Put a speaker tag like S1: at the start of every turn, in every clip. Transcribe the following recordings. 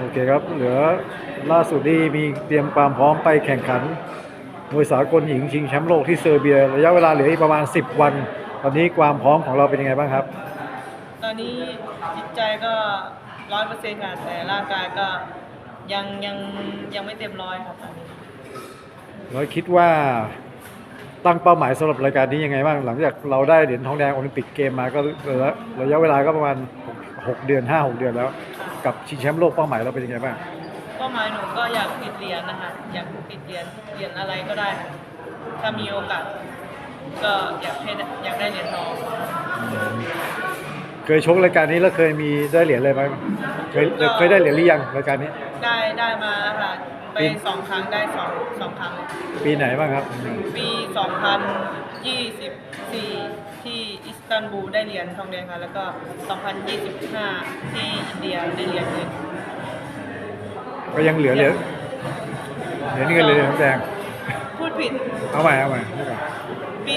S1: เคครับเหลือล่าสุดนี่มีเตรียมความพร้อมไปแข่งขันมวยสากลหญิงชิงแชมป์โลกที่เซอร์เบียระยะเวลาเหลืออีกประมาณ10 วันตอนนี้ความพร้อมของเราเป็นยังไงบ้างครับ
S2: ตอนนี้จิตใจก็100%ค่ะแต่ร่างกายก็ยังยังไม่เต็มร้อยครับตอนนี้
S1: เราคิดว่าตั้งเป้าหมายสำหรับรายการนี้ยังไงบ้างหลังจากเราได้เหรียญทองแดงโอลิมปิกเกมมาก็ระยะเวลาก็ประมาณ6 เดือน5-6 เดือนแล้วกับชิงแชมป์โลกเป้าหมายเราเป็นยังไงบ้าง
S2: เป้าหมายหนูก็อยากติดเหรียญนะคะอยากติดเหรียญอะไรก็ได้ค่ะถ้ามีโอกาสก็อยากได้เหรียญทอง
S1: เคยชกรายการนี้แล้วเคยมีได้เหรียญอะไรไหมเคยได้เหรียญหรือยังรายการนี้
S2: ได้มาแล้วค่ะไป2 ครั้งได้สองครั้ง
S1: ปีไหนบ้างครับ
S2: ปี2024ที่อิสตันบูลได้เหรียญทองแดงค่ะแล้วก็2025ที่อินเดียได้เหรียญเงิน
S1: ก็ยังเหลือเหรียญเงินเหรียญทองแดง
S2: พูดผิด
S1: เอาใหม่
S2: ปี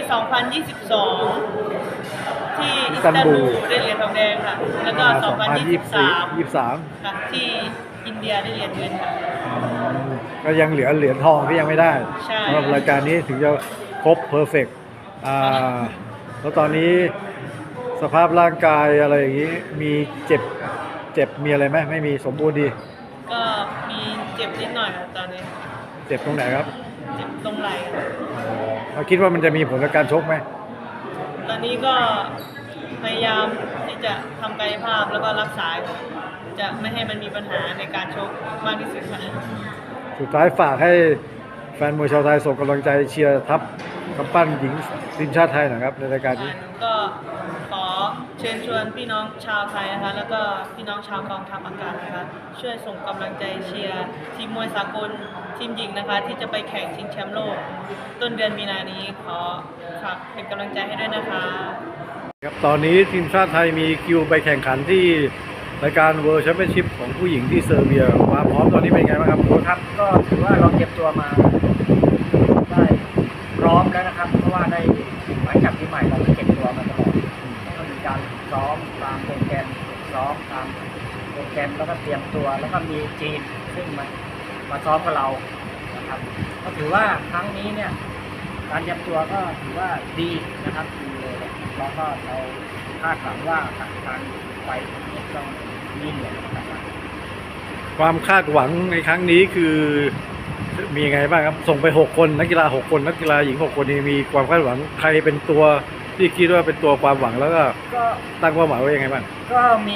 S2: 2022ที่อิสตันบูลได้เหรียญทองแดงค่ะแล้วก็2023ค่ะที่อินเดียได้เหรียญเงินค่ะ
S1: ก็ยังเหลือเหรียญทองที่ยังไม่ได้สำหรับรายการนี้ถึงจะครบเพอร์เฟกต์แล้วตอนนี้สภาพร่างกายอะไรอย่างนี้มีเจ็บมีอะไรไหมไม่มีสมบูรณ์ดี
S2: ก็มีเจ็บนิดหน่อยครับตอนนี้
S1: เจ็บตรงไหนครับ
S2: เจ็บตรงไหล่
S1: เราคิดว่ามันจะมีผลกับการชกไหม
S2: ตอนนี้ก็พยายามที่จะทำกายภาพแล้วก็รักษาจะไม่ให้มันมีปัญหาในการชกมากที่สุดค่ะ
S1: สุดท้ายฝากให้แฟนมวยชาวไทยส่งกำลังใจเชียร์ทัพกำปั้นหญิงทีมชาติไทยนะครับในรายการนี้
S2: ก็ขอเชิญชวนพี่น้องชาวไทยนะคะแล้วก็พี่น้องชาวกองทัพอากาศนะคะช่วยส่งกำลังใจเชียร์ทีมมวยสากลทีมหญิงนะคะที่จะไปแข่งชิงแชมป์โลกต้นเดือนมีนานี้ขอฝากเป็นกำลังใจให้ด้วยนะคะ
S1: ครับตอนนี้ทีมชาติไทยมีคิวไปแข่งขันที่รายการ World Championship ของผู้หญิงที่เซอร์เบียความพร้อมตอนนี้เป็นไงบ้างครับ
S3: ครับก็ถือว่าเราเก็บตัวมาได้พร้อมแล้วนะครับเพราะว่าได้หลังจากปีใหม่เราเก็บตัวมาตลอดก็มีการซ้อมตามโปรแกรมซ้อมตามโปรแกรมแล้วก็เตรียมตัวแล้วก็มีจีนซึ่งมาซ้อมกับเรานะครับก็ถือว่าครั้งนี้เนี่ยการเตรียมตัวก็ถือว่าดีนะครับดีเลยแล้วก็เราคาดหวังว่าการไปนี้ต้องมีเหนื่อยนะครับ
S1: ความคาดหวังในครั้งนี้คือมียังไงบ้างครับส่งไป6 คนนักกีฬา6 คนนักกีฬาหญิง6 คนนี้มีความคาดหวังใครเป็นตัวที่คิดว่าเป็นตัวความหวังแล้วก็ตั้งเป้าหมายไว้ยังไงบ้าง
S3: ก็มี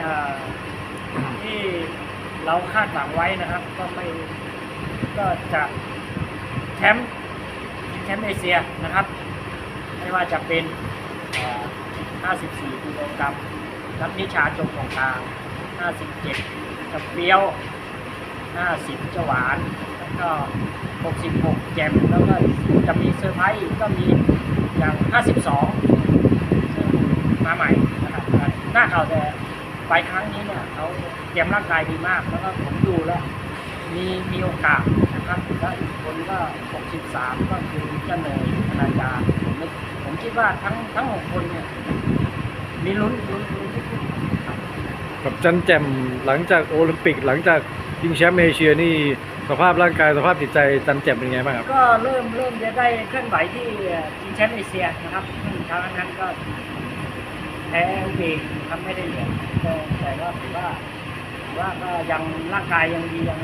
S3: ที่เราคาดหวังไว้นะครับก็จะแชมป์เอเชียนะครับไม่ว่าจะเป็น54 กิโลกรัมนักนิชาจงของกลาง57จะเปรี้ยว50จะหวานแล้วก็66แจมแล้วก็จะมีเซอร์ไพรส์ก็มีอย่าง52ซึ่งมาใหม่นะครับหน้าเขาแต่ไปครั้งนี้เนี่ยเขาเตรียมร่างกายดีมากแล้วก็ผมดูแล้วมีโอกาสนะครับแล้วอีกคนก็63ก็คือเจ้าเนยธนาจารย์ผมคิดว่าทั้ง6 คนเนี่ยมีลุ้น
S1: กับจันแจ่มหลังจากโอลิมปิกหลังจากชิงแชมป์เอเชียนี่สภาพร่างกายสภาพจิตใจจันแจ่มเป็นไงบ้างครับ
S3: ก็เริ่มจะได้เคลื่อนไหวที่ชิงแชมป์เอเชียนะครับครั้งนั้นก็แพ้เองทำไม่ได้เหรียญแต่ว่าถือว่าก็ยังร่างกายยังดียัง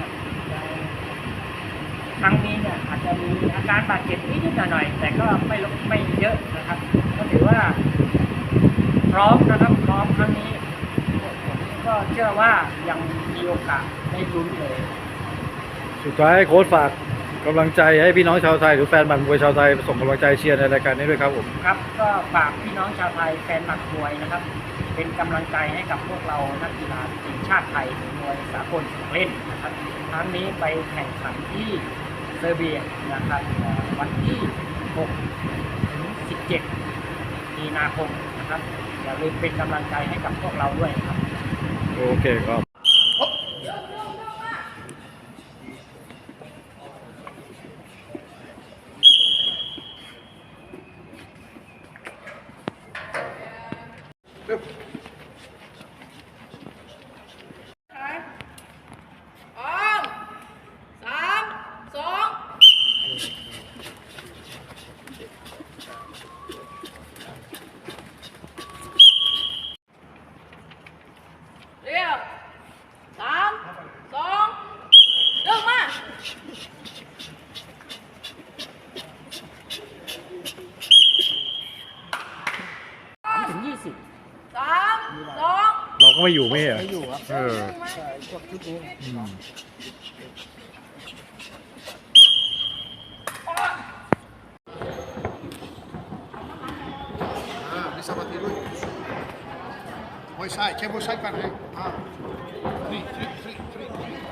S3: ครั้งนี้เนี่ยอาจจะมีอาการบาดเจ็บนิดๆหน่อยๆแต่ก็ไม่เยอะนะครับก็ถือว่าพร้อมนะครับพร้อมครั้งนี้ก็เชื่อว่ายังมีโอกาสได้ลุ้นเลย
S1: สุดท้ายโค้ชฝากกำลังใจให้พี่น้องชาวไทยหรือแฟนบัตรมวยชาวไทยส่งกำลังใจเชียร์ในรายการนี้ด้วยครับผม
S3: ครับก็ฝากพี่น้องชาวไทยแฟนบัตรมวยนะครับเป็นกำลังใจให้กับพวกเรานักกีฬาทีมชาติไทยมวยสากลเล่นนะครับครั้งนี้ไปแข่งขันที่เซอร์เบียนะครับวันที่6 ถึง 17 มีนาคมนะครับอย่าลืมเป็นกำลังใจให้กับพวกเราด้วยครับ
S1: โอเคครับก็ไม่อยู่ไม่เหรอ
S3: ไม่อยู่ครับ
S1: เออ
S3: ใช่พวกชุดนี้
S1: อืม
S4: bisa mati dulu. Boy side, check boy side kan. Ah. Three.